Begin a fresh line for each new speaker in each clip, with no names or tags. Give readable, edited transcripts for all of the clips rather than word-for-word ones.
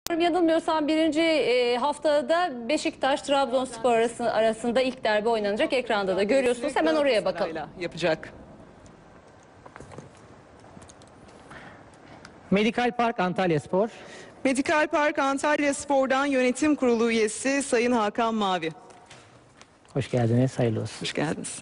Yanılmıyorsam birinci haftada Beşiktaş-Trabzonspor arasında ilk derbi oynanacak. Ekranda da görüyorsunuz. Hemen oraya bakalım.
Yapacak.
Medikal Park Antalyaspor.
Medikal Park Antalyaspor'dan yönetim kurulu üyesi Sayın Hakan Mavi.
Hoş geldiniz, hayırlı olsun.
Hoş geldiniz.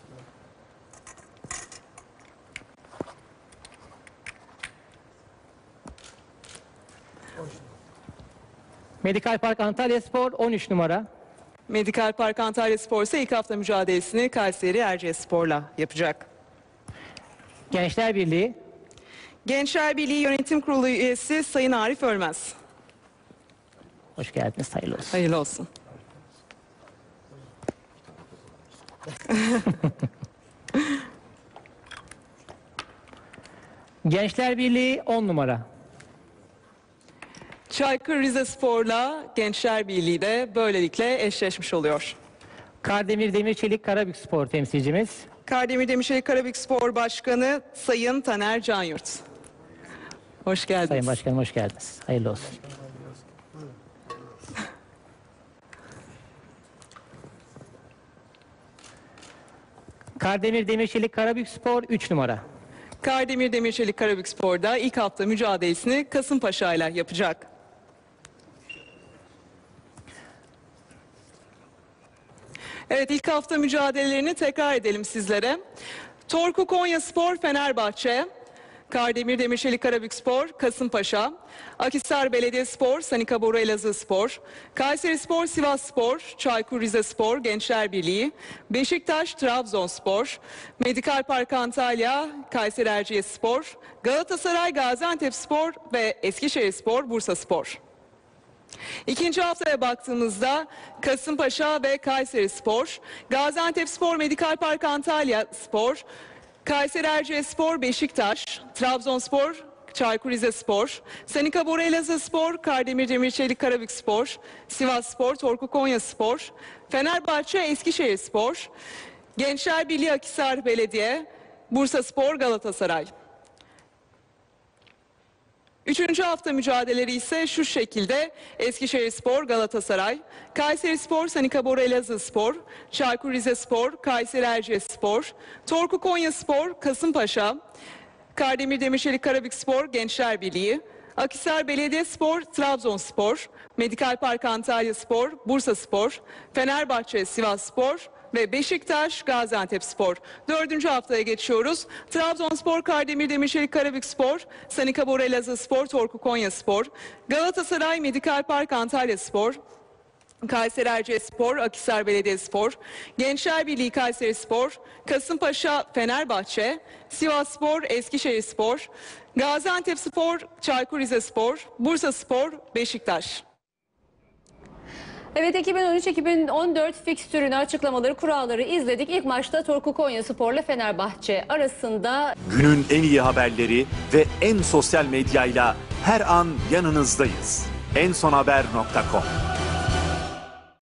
Medikal Park Antalyaspor 13 numara.
Medikal Park Antalyaspor ise ilk hafta mücadelesini Kayseri Erciyesspor'la yapacak.
Gençler Birliği.
Gençler Birliği Yönetim Kurulu üyesi Sayın Arif Ölmez.
Hoş geldiniz, hayırlı olsun.
Hayırlı olsun.
Gençler Birliği 10 numara.
Çaykur Rizespor'la Gençler Birliği de böylelikle eşleşmiş oluyor.
Kardemir Demirçelik Karabükspor temsilcimiz.
Kardemir Demirçelik Karabükspor Başkanı Sayın Taner Canyurt. Hoş geldiniz.
Sayın Başkanım hoş geldiniz. Hayırlı olsun. Kardemir Demirçelik Karabükspor 3 numara.
Kardemir Demirçelik Karabükspor'da ilk hafta mücadelesini Kasımpaşa ile yapacak. Evet, ilk hafta mücadelelerini tekrar edelim sizlere. Torku Konyaspor Fenerbahçe, Kardemir Demirçelik Karabükspor Kasımpaşa, Akhisar Belediyespor Sanika Boru Elazığspor, Kayserispor Sivasspor, Çaykur Rizespor Gençler Birliği, Beşiktaş Trabzonspor, Medikal Park Antalya Kayseri Erciyesspor, Galatasaray Gaziantepspor ve Eskişehirspor Bursaspor. İkinci haftaya baktığımızda Kasımpaşa ve Kayserispor, Gaziantepspor Medikal Park Antalyaspor, Kayseri Erciyesspor Beşiktaş, Trabzonspor Çaykur Rizespor, Sanika Boru Elazığspor, Kardemir Demirçelik Karabükspor, Sivasspor Torku Konyaspor, Fenerbahçe Eskişehirspor, Gençler Birliği Akhisar Belediye, Bursaspor Galatasaray. Üçüncü hafta mücadeleleri ise şu şekilde: Eskişehirspor Galatasaray, Kayserispor Sanika Boru Elazığspor, Çaykur Rizespor Kayseri Erciyesspor, Torku Konyaspor Kasımpaşa, Kardemir Demirçelik Karabükspor Gençler Birliği, Akhisar Belediyespor Trabzonspor, Medikal Park Antalyaspor Bursaspor, Fenerbahçe Sivasspor ve Beşiktaş Gaziantepspor. Dördüncü haftaya geçiyoruz. Trabzonspor Kardemir Demirçelik Karabükspor, Sanika Boru Elazığspor Torku Konyaspor, Galatasaray Medikal Park Antalyaspor, Kayseri Erciyesspor, Akhisar Belediyespor, Gençler Birliği Kayserispor, Kasımpaşa Fenerbahçe, Sivasspor Eskişehirspor, Gaziantepspor Çaykur Rizespor, Bursaspor Beşiktaş.
Evet, 2013-2014 fikstürünü, açıklamaları, kuralları izledik. İlk maçta Torku Konyaspor'la Fenerbahçe arasında.
Günün en iyi haberleri ve en sosyal medyayla her an yanınızdayız. ensonhaber.com